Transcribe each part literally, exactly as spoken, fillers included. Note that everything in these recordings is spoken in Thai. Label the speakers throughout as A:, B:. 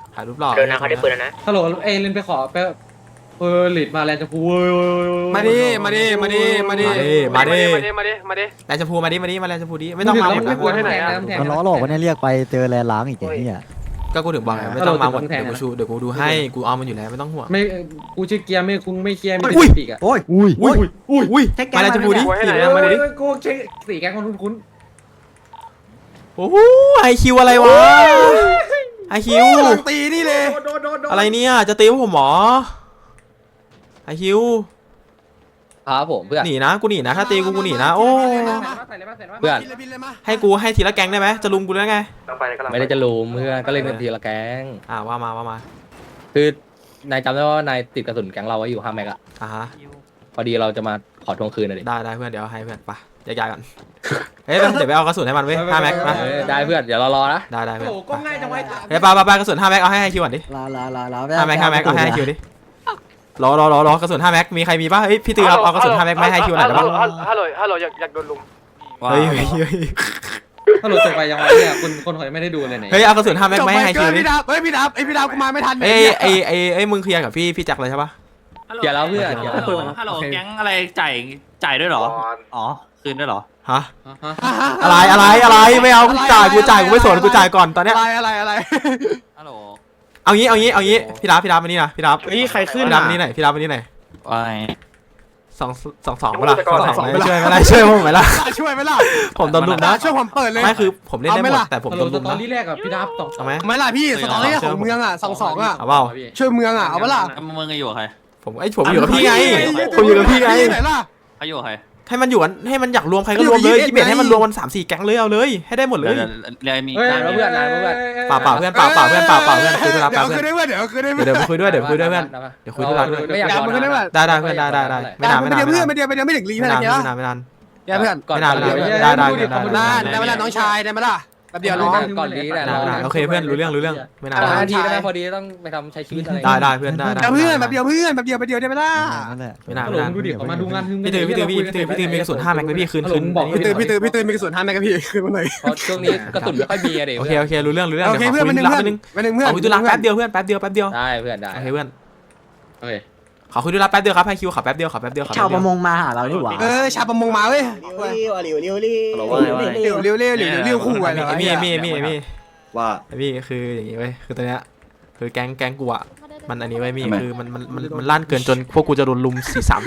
A: ถ่ายรูปหล่อ
B: เดินนะเขาได้ปืนแล้วนะ
C: ฮัลโหลเอ้ยเล่นไปขอไปเออหลีดมาแลนด์จะพูมา
A: ดิมาดิมาดิมาดิมาดิมาดิ
D: มาดิมาดิ
A: แลนด์ชมพูมาดิมาดิมาแลนด์ชมพูดิไม่ต้องมาหมดนะ
E: มันล้อหลอกวันนี้เรียกไปเจอแลนล้างอีกอย่างนี้อ่ะ
A: ก็กูถึงบอกไงไม่ต้องมาหมดเดี๋ยวกูชูเดี๋ยวกูดูให้กูเอามันอยู่แล้วไม่ต้องห่วง
C: ไม่กูชื่อเกียร์ไม่คุณไม่เกียร์ไม่ปีกอ่ะ
E: โอ้ยอุ้ย
A: อุ้ยอุ้ยอุ้ยมาแลนด์ชมพูดิมาดิ
C: กูเช็คสีแกงคนคุ้น
A: โอ้โหไอคิวอะไรวะไอคิว
D: ตีนี่เลย
A: อะไรเนี่ยจะตีผมหรอไอคิว
F: ครับผมเพื่อน
A: หนีนะกูหนีนะถ้าตีกูกูหนีนะโอ้
F: เพื่อน
A: ให้กูให้ทีละแก๊งได้ไหมจะลุมกูได้ไง
F: ไม่ได้จะลุมเพื่อนก็เล่นกันทีละแก๊ง
A: อ่าว่ามาว่ามา
F: คือนายจำได้ว่านายติดกระสุนแก๊งเราไว้อยู่ห้าแม็กอะ
A: อ่าฮะ
F: พอดีเราจะมาขอทวงคืนหน่อยดิ
A: ได้ได้เพื่อนเดี๋ยวให้เพื่อนไปย้ายๆกันเฮ้ยเดี๋ยวไปเอากระสุนให้มันเว้ยห้าแม็กมา
F: ได้เพื่อนเดี๋ยวเรารอนะ
A: ได้ได้เพื่อน
C: โอ้ก็ง่ายจังไว้
A: เฮ้ยปาปาปากระสุนห้าแม็กเอาให้ให้คิวก่อนดิ
E: ลาลาลาลา
A: ห้าแม็กห้าแม็กเอาให้ให้คิวดิรอรอรอรอกระสุนห้าแม็กมีใครมีป่ะเฮ้ยพี่ตือเอาเอากระสุนห้าแม็กไม่ให้คิวหน่อยได้ป่ะ
D: ฮัลโหลฮัลโหลอยากอยากโดนลุม
A: เฮ้ยเฮ้ยเฮ้ย
C: ฮัลโหลจบไปยังไงเนี่ยคนคนหอยไม่ได้ดูเลยเนี่ย
A: เฮ้ยเอากระสุนห้าแม็กไม่ให้คิวดิ
D: พี่ดับเฮ้ยพี่ดับไอพี่ดับกูมาไม่ทัน
A: เอ้ยไอไอไอมึงเคลียร์กับพี่พี่แจ็คเลยใช่ป่ะ
F: เดี๋ยวแล้วเพื่อน
G: ฮัลโหลแก๊งอะไรจ่ายจ่ายด้วยหรออ๋อคืนด้วยหรอ
A: ฮะอะไรอะไรอะไรไม่เอากูจ่ายกูจ่ายกูไม่สนกูจ่ายก่อนตอนเนี้ย
D: อะไรอะไรอะไร
G: ฮัลโหล
A: เอางี้เอางี้เอางี้พี่รับพี่รับมานี่นะพี่รับ
D: นี่ใครขึ้น
A: พี่รับมานี่ไหนพี่รับมานี่ไหน
G: ว่า
A: สองสองสองเวลาสองสองไม่ช่วยไม่ได้ช่วยผมไหมล่ะ
D: ช่วยไหมล่ะ
A: ผมโดนลุมนะ
D: ช่วยผมเปิดเลย
A: ไม่คือผมเล่นได้หมดแต่ผมโดนลุมนะ
C: ตอนที่แรกกับพี่ดับสอง
A: เอาไหม
D: ไม่ล่ะพี่สตอรี่ของเมืองอ่ะสองสองอ่ะ
A: เอาเปล่า
D: ช่วยเมืองอ่ะเอาเปล่า
G: มึงอยู่กับใคร
A: ผมไอ้ผมอยู่กับพี่ไงผมอยู่กับพี่ไง
D: ไหนล่ะ
G: เขาอยู่กับใคร
A: ให้มันอยู่กันให้มันอยากรวมใครก็รวมเลยที่เบ็ดให้มันรวมกันสามสี่แก๊งเลยเอาเลยให้ได้หมดเลย
G: เรียนมี
F: นายมาเพื่อนนายมาเพื่อน
A: ป่าป่าเพื่อนป่าป่าเพื่อนป่าป่าเพื่อนคุยด้วยเพื่อน
D: เดี๋ยวคุยด้วยเดี๋ยวคุยด้วย
A: เดี๋ยวคุยด้วยเดี๋ยวคุยด้วยเพื่อนเดี๋ยวคุยด้วย
F: ไม่อยากคุยด้วย
A: ได้ได้เพื่อนได้ได้ได้ไม่นานไม่นาน
D: เพื่อนไม่เดียวไม่เดียวไม่ถึงลี
A: ไม่
D: เท่าไหร่
A: ไม่นานไม่นาน
D: เพื่อน
F: ก่อน
A: ไม่นานได้ได้ได้ได้
D: ได้ไหมล่ะน้องชายได้ไหมล่ะแป๊บเดียวน้อง
F: ก่อนดีแหละ
A: โอเคเพื่อนรู้เรื่องรู้เรื่องไม่นาน
F: นาทีได้พอดีต้องไปทำใช้ชีวิตอะไร
A: ได้ได้เพื่อนได้ได้
D: เพื่อนแบบเดียวเพื่อนแบบเดียวแบบเดียวได้ไหมล่ะ
A: ไม่นานไม่นาน
C: ดูดิมาดูงาน
A: พี่ตือพี่ตือพี่ตือพี่ตือมีกระสุนห้าแม็กไหมพี่คืนคืน
D: พี่ตือพี่ตือพี่ตือมีกระสุนห้าแม็กกับพี่คืนมาหน่อย
F: เพราะช่วงนี้กระสุนไม่ค่อยมีอะเดี๋ยว
A: โอเคโอเครู้เรื่องรู้เรื่อง
D: โอเคเพื่อนมันนึงเพื่อนมันนึงเพื่อน
A: ขอคุยธุระแป๊บเดียวเพื่อนแป๊บเดียวแป๊บเดียว
F: ได้เพื่อนได้
A: โอเคเพื่อน
C: โอเค
A: ขอคุยธุระแป๊บเดียวครับให้คิวขอแป๊บเดียวขอแป๊บเดียว
E: ชาวประมงมาหาเราดีกว่า
D: เออชาวประมงมาเว้ย
E: เร็วเร็วเร็ว
D: เร็วเร็วเร็วเร็วเร็วเร็วคู่อะไร
A: มีมีมีมี
E: ว่า
A: พี่คืออย่างงี้เว้ยคือตอนเนี้ยคือแก๊งแก๊งกูอ่ะมันอันนี้ไว้มีคือมันมันมันมันลั่นเกินจนพวกกูจะโดนลุมสี่สาม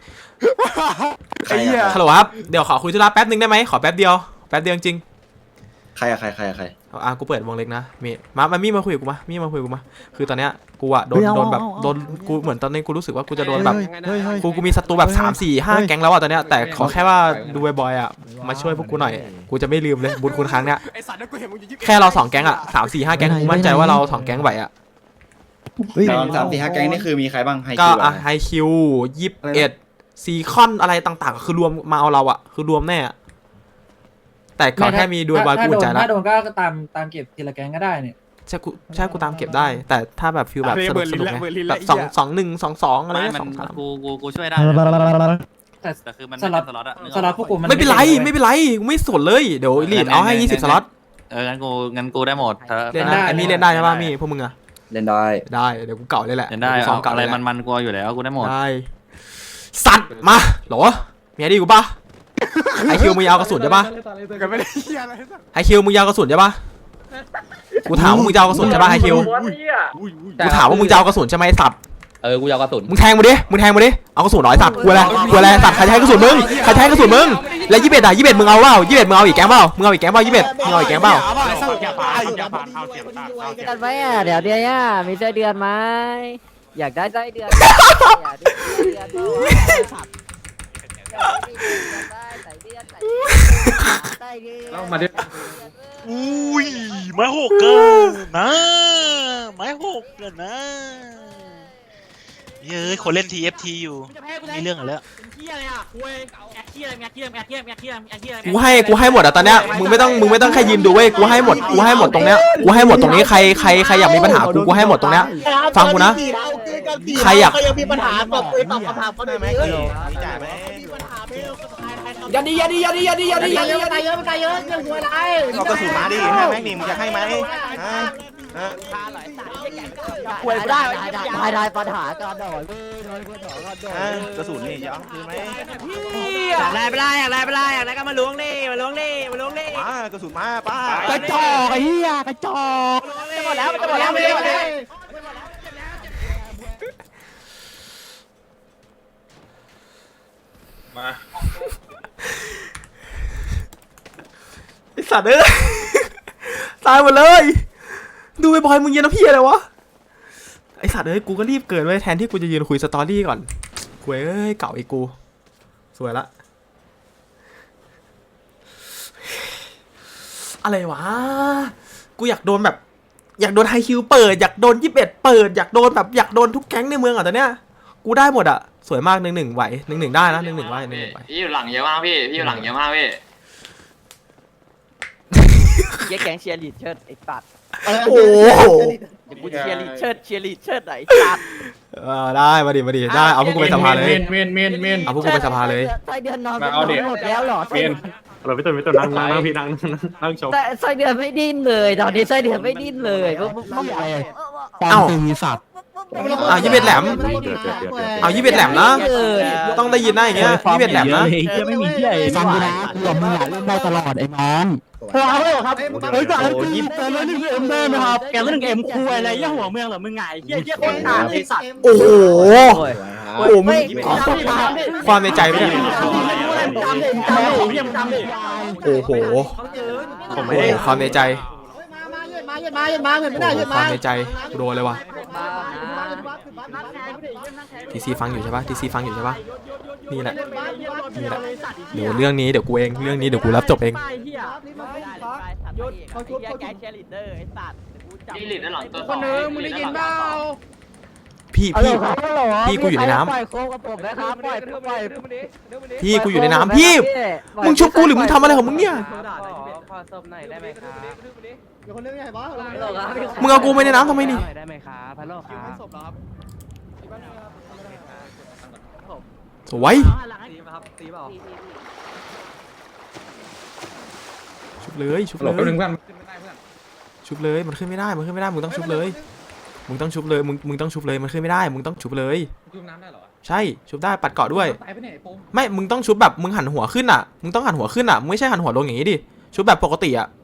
A: ฮัลโหลครับเดี๋ยวขอคุยธุระแป๊บนึงได้ไหมขอแป๊บเดียวแป๊บเดียวจริง
E: ใครอะใครใครใคร
A: อ่ะกูเปิดวงเล็กนะมีมามามีมาคุยกับกูมามีมาคุยกับกูมาคือตอนเนี้ยกูอ่ะโดนโดนแบบโดนกูเหมือนตอนนี้กูรู้สึกว่ากูจะโดนแบบกูกูมีศัตรูแบบสามสี่ห้าแก๊งแล้วอ่ะตอนเนี้ยแต่ขอแค่ว่าดูบ่อยๆอ่ะมาช่วยพวกกูหน่อยกูจะไม่ลืมเลยบุญคุณครั้งเนี้ยแค่เราสองแก๊งอ่ะสามสี่ห้าแก๊งกูมั่นใจว่าเราสองแก๊งไหวอ่ะ
E: สามสี่ห้าแก๊งนี่คือมีใครบ้างไฮคิว
A: ก็อ่ะไฮคิวยี่สิบเอ็ดซีคอนอะไรต่างๆคือรวมมาเอาเราอ่ะคือรวมแน่แต่ขอแค่มีดูบอยกูใจแล้ว
H: ถ้าโดนก็ตามตามเก็บทีละแก๊งก็ได้เนี่ย
A: ใช่กูใช่กูตามเก็บได้แต่ถ้าแบบฟิลแบบสนุกสนุกไงแบบสองสองหนึ่งสองสองอะไรสองสาม
G: กูกูกูช่วยได้
H: แต่
G: แต่คือมัน
H: สล็อตสล็อตพวกกูมัน
A: ไม่เป็นไรไม่เป็นไรกูไม่สนเลยเดี๋ยวลีดเอาให้ยี่สิบสล็อต
G: เอองั้นกูงั้นกูได้หมด
A: เล่นได้ไอ้มีเล่นได้ใช่ป่ะมีพวกมึงอะ
E: เล่นได้
A: ได้เดี๋ยวกูเก่าเลยแหละ
G: เล่นได้อะไรมันมันกูอยู่แล้วกูได้หมด
A: ได้สัตว์มาหรอมีอะไรดีกูป่ะไอคิวมึงยาวกระสุนใช่ป่ะไอคิวมึงยาวกระสุนใช่ป่ะกูถามว่ามึงยาวกระสุนใช่ป่ะไอคิวกูถามว่ามึงยาวกระสุนใช่ไหมสัตว์
F: เออกูยาวกระสุน
A: มึงแทงมาดิมึงแทงมาดิเอากระสุนหน่อยสัตว์กูอะไรกูอะไรสัตว์ใครใช้กระสุนมึงใครใช้กระสุนมึงแล้วยี่สิบเอ็ดอ่ะยี่สิบเอ็ดมึงเอาเปล่ายี่สิบเอ็ดมึงเอาอีกแก๊งเปล่ามึงเอาอีกแก๊งเปล่ายี่สิบเอ็ดมึงเอาอีกแก๊งเปล่า
I: กันไหมอ่ะเดี๋ยวเดือนอ่ะมีไส้เดือนไหมอยากได้ไส้เดือนอยากได้ไส้เดือน
C: เรามาดิ
G: อุ้ยไม้หกเกินนะไม้หกเกินนะเย้ยคนเล่น ที เอฟ ที อยู่มีเรื่องอะไรแล้ว
A: กูให้กูให้หมดอ่ะตอนเนี้ยมึงไม่ต้องมึงไม่ต้องแค่ยืนดูเว้ยกูให้หมดกูให้หมดตรงเนี้ยกูให้หมดตรงนี้ใครใครใครอยากมีปัญหากูกูให้หมดตรงเนี้ยฟังกูนะใครอยาก
J: มีปัญหาตอบตอบคำถามเขาหน่อยไหม
H: อย่าดีอย่าดีอย่าดีอย่าดีอย่าดีอย่าดี
J: ตายเยอะตายเยอะตายเยอะเรื่องหัวไร
E: เอากระสุนมาดิให้แม่งหนิมึงจะให้ไหม
J: คาหลายสายแก่ง
I: คุยได้ได้ได้ปัญหาการดอย
J: กระสุนนี่จะเอาคืนไหม
I: อยากได้ไปได้อยากได้ไปได้อยากได้ก็มาล้วงนี่มาล้วงนี่มาล้วงนี่
J: มากระสุนมาป้าก
E: ระจอกไอ้เหี้ยกระจอก
I: จะหมดแล้วจะหมดแล้วไม่หมดแล้ว
G: มา
A: ไอสัตว์เอ้ย ตายหมดเลย ดูไอ้บอยมึงเย็นนะพี่อะไรวะไอสัตว์เอ้ยกูก็รีบเกิดไว้แทนที่กูจะยืนคุยสตอรี่ก่อนกูเอ้ยเก่าไอ้กูสวยละอะไรวะกูอยากโดนแบบอยากโดนไฮคิวเปิดอยากโดนยี่สิบเอ็ดเปิดอยากโดนแบบอยากโดนทุกแก๊งในเมืองอ่ะตอนเนี้ยกูได้หมดอ่ะสวยมากหนึ่งหนึ่งไหวหนึ่งหนึ่งได้นะหนึ่งหนึ่งไหวหนึ่งหนึ่งไหว
B: พี่อยู่หลังเยอะมากพี่พี่อยู่หลังเยอะมากพี่
I: เย้แกงเชียร์ลีดเชิดไอ้สัตว์
A: โอ้โห
I: กูเชียร์ลีดเชิดเชียร์ลีดเชิดไอ้สัตว์
A: เออได้มาดิมาดิได้เอาพวกกูไปสภาเลย
C: เมนเมนเมน
A: เอาพวกกูไปสภาเลย
I: ไส้เดือนนอน
C: มาเอาดิ
I: หมดแล้วเหรอ
C: เมน
G: เราพี่ตุ่นพี่ตุ่นนั่งนั่งพี่นั่งนั่งชม
I: แต่ไส้เดือนไม่ดิ้นเลยตอนนี้ไส้เดือนไม่ดิ้นเลยพวกพวกพวก
E: ปอมตีสัตว์
A: อ้าวยี่สิบเอ็ดแหลมเอายี่สิบเอ็ดแหลมนะ
I: เลย
A: ต้องได้ยินนะอย่างเงี้ยยี่สิบเอ็ดแหลมนะ
E: ไม่มีที่ไหนฟังกูนะกูกับมึงอะเล่นได้ตลอดไอ้น้องพอเลยครับเฮ้ยก่อนกูยิบเติมแล้วนี่เอ็มได้ไหมครับแกเล่นเอ็มคุยอะไรเยี่ยหัวเมืองเหรอมึงไงเยี่ยเยี่ยคนหนาไอ้สัตว์
A: โอ้โหโอ้โหมึง
I: ขอต้องตาม
A: ความในใจไม่ได้
I: ตามเด็กตามเด็กเยี่ยมตามเด็ก
A: โอ้โหโอ้โหความในใจ
J: มาเยอะมาเยอะมาเยอะมาเยอะไม่ได้
A: โอ้โห
J: เยอะ
A: ค
J: มาว
A: ามในใจกูโดนเลยว่ะทีซีฟังอยู่ใช่ปะทีซีฟังอยู่ใช่ปะนี่แหละนี่แหละเดี๋ยวเรื่องนี้เดี๋ยวกูเองเรื่องนี้เดี๋ยวกูรับจบเอง
I: เขาชุบเขาแกงเชียร์ลีดเดอร์ไอ้สัตว์
B: พี่หลิดด้านหลังตัวส
C: ค
B: อง
C: นนึงมึงได้ยินเปล่า
A: พี่พี่ พี่กูอยู่ในน้ำ
I: ปล่อยโค้งกับผมนะครับปล่อยปล่อย
A: พี่กูอยู่ในน้ำพี่มึงชุบกูหรือมึงทำอะไรของมึงเนี่ย
I: ขอศพหน่อยได้ไหมครับ
J: เดี๋ยวคนนึงใหญ่บ้า
A: มึงเอากูไปในน้ำทำไมนี่
I: ได้ไหมครับพัลโลครับ
A: สวยชุบเลยชุบ
C: หล
A: เล
C: บแป๊บนึ
A: ย
C: งเพื่อน
A: ชุบเลยมันขึ้นไม่ได้มันขึ้นไม่ได้มึงต้องชุบเลยมึงต้องชุบเลยมึงมึงต้องชุบเลยมันขึ้นไม่ได้มึงต้องชุบเลย
C: จุ่มน้ำได้เหรอ
A: ใช่ชุบได้ปัดเกาะด้วย
C: ตายไปไหนโป้ง
A: ไม่มึงต้องชุบแบบมึงหันหัวขึ้นอ่ะมึงต้องหันหัวขึ้นอ่ะมึงไม่ใช่หันหัวลงอย่างนี้ดิชุบแบบปกติอ่ะ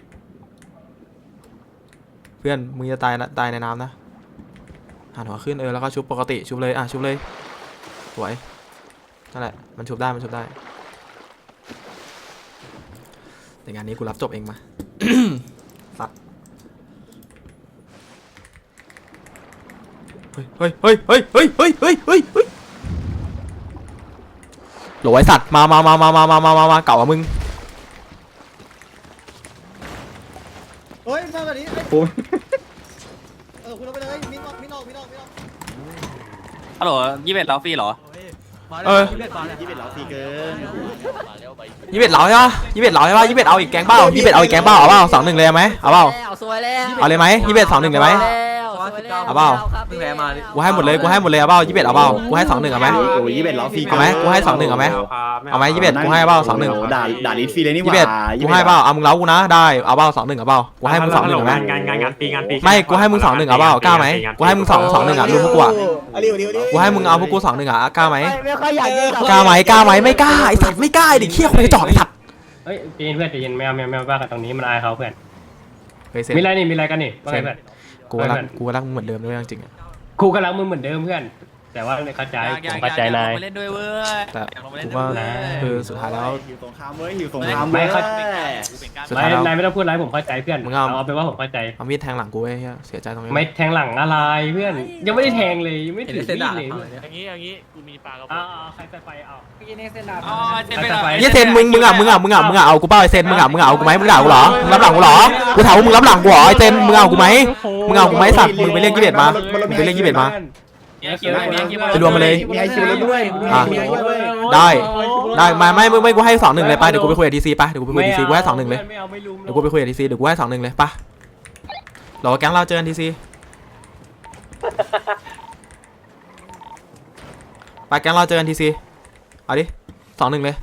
A: เพื่อนมึงจะตายนะตายในน้ำนะหันหัวขึ้นเออแล้วก็ชุบปกติชุบเลยอ่ะชุบเลยสวยนั่นแหละมันชุบได้มันชุบได้แต่งานนี้กูรับจบเองมา สัตว์เฮ้ยเฮ้ยเฮ้ยเฮ้ยเฮ้ยเฮ้ยเฮ้ยเฮ้ยเฮ้ยโหลไอสัตว์มามามามามามามามามาเก่าอะมึง
J: เฮ้ยมาแบบนี้เออคุณเอาไปเลยมินออกมินออกมินออกมินออก
B: ฮัลโหลยี่สิบเอ็ดแล้วฟรีเหรอ
A: เออ
J: ยี่สิบเอ็ดเหรอสี่เกิน
A: ยี่สิบเอ็ดเหลาใช่ปะยี่สิบเอ็ดเหลาใช่ปะยี่สิบเอ็ดเอาอีกแกงเป้ายี่สิบเอ็ดเอาอีกแกงเป้าเอาเปล่าสองหนึ่งเลยไหมเอาเปล่า
I: แล้วสวยแล้ว
A: เอาเลยไหมยี่สิบเอ็ดสองหนึ่งเลยไหม เอาเปล่า กูให้หมดเลยกูให้หมดเลยเอาเปล่ายี่สิบเอ็ดเอาเปล่ากูให้สองหนึ่งเอาไหม
J: โอ้ยยี่สิบเอ็ดเหรอสี่
A: เอาไหมกูให้สองหนึ่งเอาไหมเอาไหมยี่สิบเอ็ดกูให้เปล่าสองหนึ่ง
J: ด่าด่าลิสฟรีเลยนี่ห
A: ยี่
J: ว่า
A: สิบเอ็ดกูให้เปล่าเอามึงเล้ากูนะได้เอาเปล่าสองหนึ่งเอาเปล่ากูให้มึงสองหนึ่งเอาไหม
G: งานงานงานปีงานปี
A: ไม่กูให้มึงสองหนึ่งเอาเปล่ากล้าไหมกูให้มึงสองสองหนึ่งอ่ะรู้พวกกูอ่ะ
J: เอาเร็วเร็วเร็ว
A: กูให้มึงเอาพวกกูสองหนึ่งอ่ะกล้าไหม
I: ไม่ค่อยอยากยิง
A: กล้าไหมกล้าไหมไม่กล้าไอสัตว์ไม่กล้าดิเขี้ยคนจะจอดไอสัตว์
H: เฮ้ยใจเย็นเพื่อนใจเย็นแมวแมวแมวบ้ากันตรงนี้มันอายเขาเพื่อน
A: เฮ้ยเซน
H: มีอะไรนี่มีอะไรกันนี่ว่าไงเพื่อน
A: กูรักกูรักมึงเหมือนเดิมด้วยจริงๆอะ
H: ครูกำลังมึงเหมือนเดิมเพื่อน แต่ว่าเข้าใจผมเข้าใจนาย
B: เล่นด้วยเว้ย
A: แต่กูว่าคือสุดท้ายแล้ว
J: หิวสงครามเว้ยหิวสงคราม
H: ไม่
J: เว้ย
H: เข้า
A: สุด
H: ไม่
A: ท้ายแล้ว
H: นายไม่ต้องพูดอะไรผมเข้าใจเพื่อน
A: มึงเอา
H: เอาเป็นว่าผมเข้าใจ
A: เอามีดแทงหลังกูไอ้เหี้ยเสียใจตรงนี้
H: ไม่แทงหลังอะไรเพื่อน ยังไม่ได้แทงเลยยังไม่ถือมีดเลย
G: อย่างนี้อย่างนี้กูมีปลากระป๋
H: เอา
G: อง
H: เอาใครจะไปเอา
B: อ๋อเจนไปหน่อย
A: เหี้ยเซนมึงมึงอ่ะมึงอ่ะมึงอ่ะมึงอ่ะเอากูเปล่าไอเซนมึงอ่ะมึงอ่ะเอากูไหมมึงด่ากูเหรอมึงรับหลังกูเหรอกูถามว่ามึงรับหลังกูเหรอไอเซนมึงเอากูไหมมึงเอากูไหมสัตว์มึงไปเรียกยี่สิบเอ็ดมามึงไปเรียกยี่สิบเอ็ดมา
B: เนี่ยคิวเลยเนี่ยคิว
A: ไปรวมมาเลย
J: มีไอคิวแล้วด้วย
A: อ่ะ
J: มีไอคิวด้วย
A: ได้ได้ไม่ไม่ไม่ไม่กูให้สองหนึ่งเลยไปเดี๋ยวกูไปคุยกับดีซีไปเดี๋ยวกูไปคุยกับดีซีกูให้สองหนึ่งเลย
H: ไม่เอาไม่ลุม
A: เดี๋ยวกูไปคุยกับดีซีเดี๋ยวกูให้สองหนึ่งเลยปะรอแก๊งเราเจอกันดีซีไปแก๊งเราเจอกันทีซีเอาดิสองหนึ่งเลย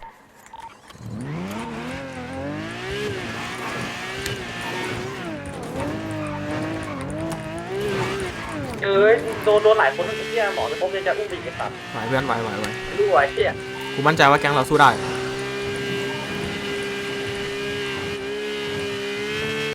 F: เอ้ยโดนโดนหลายคนทั้งที่หมอจะพบจะอุ้มอีกสัตว์
A: ไหวเพื่อนไหวไหวไหว
F: รู้ไว้เชี่ย
A: กูมั่นใจว่าแก๊งเราสู้ได้
F: เ